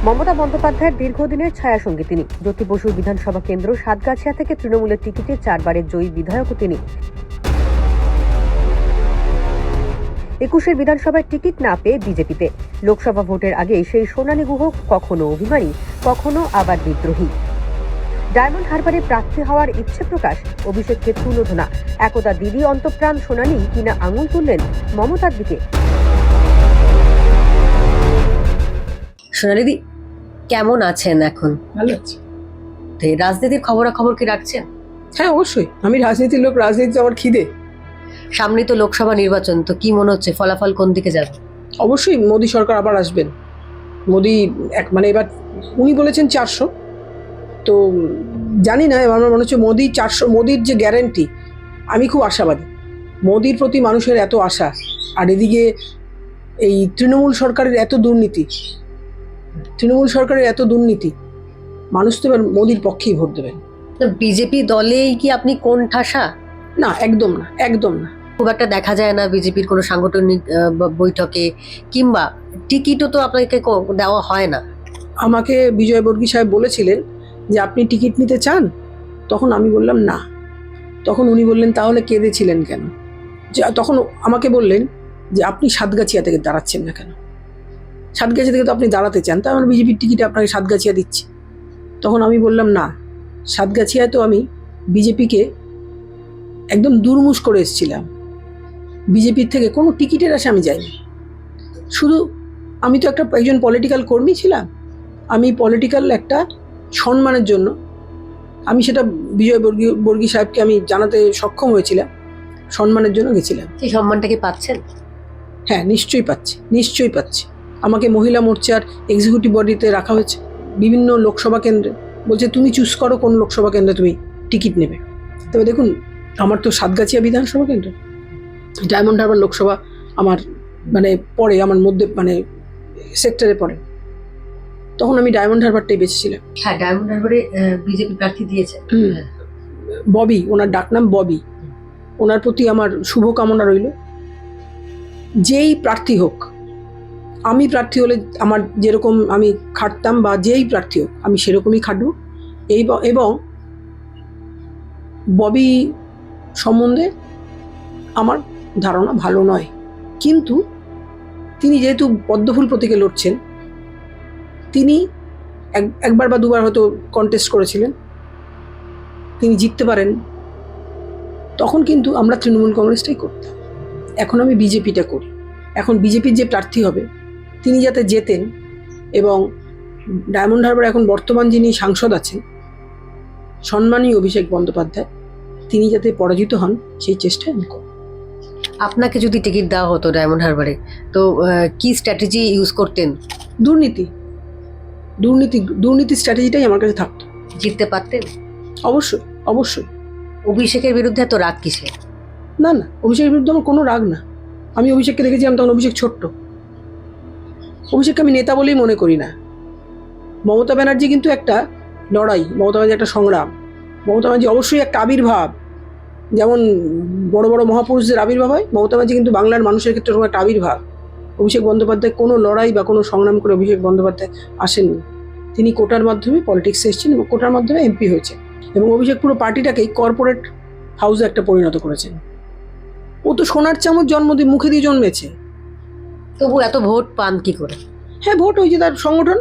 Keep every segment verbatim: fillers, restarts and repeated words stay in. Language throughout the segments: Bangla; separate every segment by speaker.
Speaker 1: মমতা বন্দ্যোপাধ্যায়ের দীর্ঘদিনের ছায়াসঙ্গী তিনি। জ্যোতি বসুর বিধানসভা কেন্দ্র সাতগাছিয়া থেকে তৃণমূলের টিকিটে চারবারের জয়ী বিধায়কও তিনি। একুশের বিধানসভায় টিকিট না পেয়ে বিজেপিতে, লোকসভা ভোটের আগে সেই সোনালী গুহ কখনো অভিমানী, কখনো আবার বিদ্রোহী। ডায়মন্ড হারবারে প্রার্থী হওয়ার ইচ্ছে প্রকাশ, অভিষেককে তুলোধনা, একদা দিদি অন্তঃপ্রাণ সোনালী কিনা আঙুল তুললেন মমতার দিকে। সোনালীদি, কেমন আছেন এখন?
Speaker 2: ভালো আছি।
Speaker 1: রাজনীতির খবরাখবর কি রাখছেন?
Speaker 2: হ্যাঁ, অবশ্যই। আমি রাজনীতির লোক, রাজনীতি আমার খিদে।
Speaker 1: সামনে তো লোকসভা নির্বাচন, তো কি মনে হচ্ছে ফলাফল কোন দিকে যাবে?
Speaker 2: অবশ্যই মোদী সরকার আবার আসবেন। মোদী এক মানে এবার উনি বলেছেন চারশো, তো জানি না, আমার মনে হচ্ছে মোদী চারশো, মোদীর যে গ্যারান্টি, আমি খুব আশাবাদী। মোদীর প্রতি মানুষের এত আশা, আর এদিকে এই তৃণমূল সরকারের এত দুর্নীতি, তৃণমূল সরকারের এত দুর্নীতি, মানুষ তো এবার মোদীর পক্ষেই ভোট দেবেন।
Speaker 1: বিজেপি দলেই কি আপনি কোন ঠাসা?
Speaker 2: না, একদম না, একদম না।
Speaker 1: খুব একটা দেখা যায় না বিজেপির কোনো সাংগঠনিক বৈঠকে, কিংবা টিকিটও তো আপনাকে দেওয়া হয় না।
Speaker 2: আমাকে বিজয় বর্গী সাহেব বলেছিলেন যে আপনি টিকিট নিতে চান, তখন আমি বললাম না। তখন উনি বললেন তাহলে কেঁদেছিলেন কেন? যে তখন আমাকে বললেন যে আপনি সাতগাছিয়া থেকে দাঁড়াচ্ছেন না কেন? সাতগাছিয়া থেকে তো আপনি দাঁড়াতে চান, তাই আমার বিজেপির টিকিটে আপনাকে সাতগাছিয়া দিচ্ছি। তখন আমি বললাম না, সাতগাছিয়ায় তো আমি বিজেপিকে একদম দুর্মুষ করে এসেছিলাম। বিজেপির থেকে কোনো টিকিটের আশা আমি যাইনি। শুধু আমি তো একটা একজন পলিটিক্যাল কর্মী ছিলাম। আমি পলিটিক্যাল একটা সম্মানের জন্য আমি সেটা বিজয় বর্গী বর্গী সাহেবকে আমি জানাতে সক্ষম হয়েছিলাম, সম্মানের জন্য গেছিলাম।
Speaker 1: সেই সম্মানটা কি পাচ্ছেন?
Speaker 2: হ্যাঁ, নিশ্চয়ই পাচ্ছি, নিশ্চয়ই পাচ্ছি। আমাকে মহিলা মোর্চার এক্সিকিউটিভ বডিতে রাখা হয়েছে বিভিন্ন লোকসভা কেন্দ্রে। বলছে তুমি চুজ করো কোন লোকসভা কেন্দ্রে তুমি টিকিট নেবে। তবে দেখুন, আমার তো সাতগাছিয়া বিধানসভা কেন্দ্র, ডায়মন্ড হারবার লোকসভা আমার মানে পরে আমার মধ্যে মানে সেক্টরে পড়ে। তখন আমি ডায়মন্ড হারবারটাই বেঁচেছিলাম।
Speaker 1: হ্যাঁ, ডায়মন্ড হারবারে বিজেপি প্রার্থী দিয়েছে
Speaker 2: ববি, ওনার ডাকনাম ববি। ওনার প্রতি আমার শুভকামনা রইল। যেই প্রার্থী হোক, আমি প্রার্থী হলে আমার যেরকম আমি খাটতাম, বা যেই প্রার্থী হোক আমি সেরকমই খাটবো। এই এবং ববি সম্বন্ধে আমার ধারণা ভালো নয়, কিন্তু তিনি যেহেতু পদ্মফুল প্রতীকে লড়ছেন, তিনি একবার বা দুবার হয়তো কন্টেস্ট করেছিলেন, তিনি জিততে পারেন, তখন কিন্তু আমরা তৃণমূল কংগ্রেসটাই করতাম। এখন আমি বিজেপিটা করি। এখন বিজেপির যে প্রার্থী হবে তিনি যাতে জেতেন, এবং ডায়মন্ড হারবার এখন বর্তমান যিনি সাংসদ আছেন সম্মানীয় অভিষেক বন্দ্যোপাধ্যায়, তিনি যাতে পরাজিত হন সেই চেষ্টা আমি করব।
Speaker 1: আপনাকে যদি টিকিট দেওয়া হতো ডায়মন্ড হারবারে, তো কি স্ট্র্যাটেজি ইউজ করতেন?
Speaker 2: দুর্নীতি, দুর্নীতি দুর্নীতি স্ট্র্যাটেজিটাই আমার কাছে থাকতো।
Speaker 1: জিততে পারতেন?
Speaker 2: অবশ্যই, অবশ্যই।
Speaker 1: অভিষেকের বিরুদ্ধে এত রাগ কিসে?
Speaker 2: না না, অভিষেকের বিরুদ্ধে আমার কোনো রাগ না। আমি অভিষেককে দেখেছিলাম তখন অভিষেক ছোট্ট। অভিষেককে আমি নেতা বলেই মনে করি না। মমতা ব্যানার্জি কিন্তু একটা লড়াই, মমতা ব্যানার্জি একটা সংগ্রাম, মমতা ব্যানার্জি অবশ্যই একটা আবির্ভাব। যেমন বড় বড় মহাপুরুষদের আবির্ভাব হয়, মমতা ব্যানার্জি কিন্তু বাংলার মানুষের ক্ষেত্রে ওরকম একটা আবির্ভাব। অভিষেক বন্দ্যোপাধ্যায় কোনো লড়াই বা কোনো সংগ্রাম করে অভিষেক বন্দ্যোপাধ্যায় আসেননি। তিনি কোটার মাধ্যমে পলিটিক্সে এসেছেন এবং কোটার মাধ্যমে এমপি হয়েছে, এবং অভিষেক পুরো পার্টিটাকেই কর্পোরেট হাউসে একটা পরিণত করেছেন। ও তো সোনার চামচ জন্ম দিয়ে মুখে দিয়ে জন্মেছে,
Speaker 1: তবু এত ভোট পান কি করে?
Speaker 2: হ্যাঁ, ভোট হয়েছে, তার সংগঠন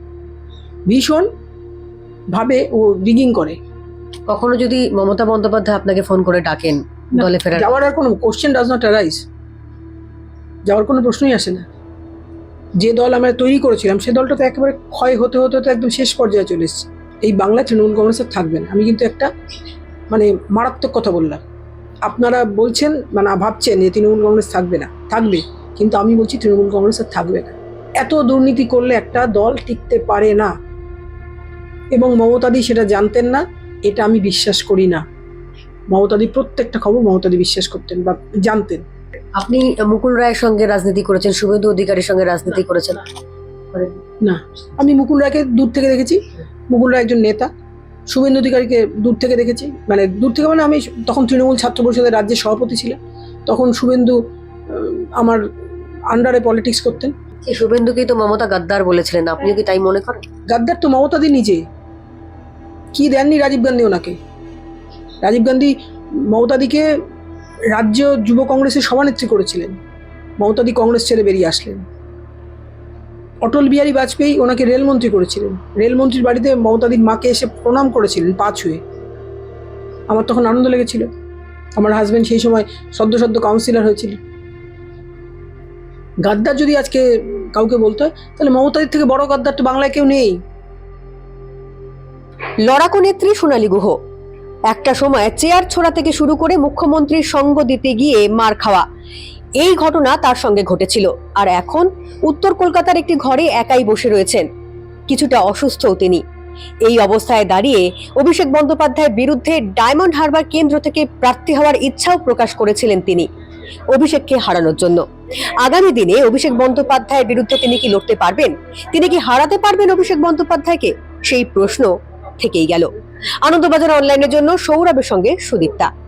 Speaker 2: ভীষণ ভাবে ও রিগিং করে।
Speaker 1: কখনো যদি মমতা বন্দ্যোপাধ্যায় আপনাকে ফোন করে ডাকেন দলে ফেরার,
Speaker 2: যাওয়ার আর কোনো কোশ্চেন ডাজ নট অ্যারাইজ, যাওয়ার কোনো প্রশ্নই আসে না। যে দল আমরা তৈরি করেছিলাম সে দলটা তো একেবারে ক্ষয় হতে হতে হতে একদম শেষ পর্যায়ে চলে এসেছে। এই বাংলা তৃণমূল কংগ্রেসের থাকবে না। আমি কিন্তু একটা মানে মারাত্মক কথা বললাম। আপনারা বলছেন মানে ভাবছেন যে তৃণমূল কংগ্রেস থাকবে না, থাকবে, কিন্তু আমি বলছি তৃণমূল কংগ্রেসের থাকবে না। এত দুর্নীতি করলে একটা দল টিকতে পারে না, এবং মমতাদি সেটা জানতেন না, এটা আমি বিশ্বাস করি না। মমতাদি প্রত্যেকটা খবর মমতাদি বিশ্বাস করতেন বা জানতেন।
Speaker 1: আপনি মুকুল রায়ের সঙ্গে রাজনীতি করেছেন, শুভেন্দু অধিকারীর সঙ্গে রাজনীতি করেছেন
Speaker 2: না? আমি মুকুল রায়কে দূর থেকে দেখেছি, মুকুল রায় একজন নেতা। শুভেন্দু অধিকারীকে দূর থেকে দেখেছি, মানে দূর থেকে মানে আমি তখন তৃণমূল ছাত্র পরিষদের রাজ্যের সভাপতি ছিলাম, তখন শুভেন্দু আমার আন্ডারে পলিটিক্স করতেন।
Speaker 1: সেই শুভেন্দুকেই তো মমতা গাদ্দার বলেছিলেন, আপনিও কি তাই মনে করেন?
Speaker 2: গাদ্দার তো মমতাদি নিজে। কি দেননি রাজীব গান্ধী ওনাকে? রাজীব গান্ধী মমতাদিকে রাজ্য যুব কংগ্রেসের সভানেত্রী করেছিলেন, মমতাদি কংগ্রেস ছেড়ে বেরিয়ে আসলেন। অটল বিহারী বাজপেয়ী ওনাকে রেলমন্ত্রী করেছিলেন, রেলমন্ত্রীর বাড়িতে মমতাদির মাকে এসে প্রণাম করেছিলেন পা ছুঁয়ে। আমার তখন আনন্দ লেগেছিল, আমার হাজব্যান্ড সেই সময় সদ্য সদ্য কাউন্সিলর হয়েছিল। গাদ্দার যদি আজকে কাউকে বলতে হয়, তাহলে মমতাদির থেকে বড় গাদ্দার তো বাংলায় কেউ নেই।
Speaker 1: লড়াকু নেত্রী সোনালী গুহ একটা সময় চেয়ার ছোড়া থেকে শুরু করে মুখ্যমন্ত্রীর সঙ্গ দিতে গিয়ে মার খাওয়া, এই ঘটনা তার সঙ্গে ঘটেছিল। আর এখন উত্তর কলকাতার একটি ঘরে একাই বসে রয়েছেন, কিছুটা অসুস্থও তিনি। এই অবস্থায় দাঁড়িয়ে অভিষেক বন্দ্যোপাধ্যায়ের বিরুদ্ধে ডায়মন্ড হারবার কেন্দ্র থেকে প্রার্থী হওয়ার ইচ্ছাও প্রকাশ করেছিলেন তিনি, অভিষেককে হারানোর জন্য। আগামী দিনে অভিষেক বন্দ্যোপাধ্যায়ের বিরুদ্ধে তিনি কি লড়তে পারবেন? তিনি কি হারাতে পারবেন অভিষেক বন্দ্যোপাধ্যায়কে? সেই প্রশ্ন থেকেই গেল। আনন্দবাজার অনলাইনের জন্য সৌরভের সঙ্গে সুদীপ্তা।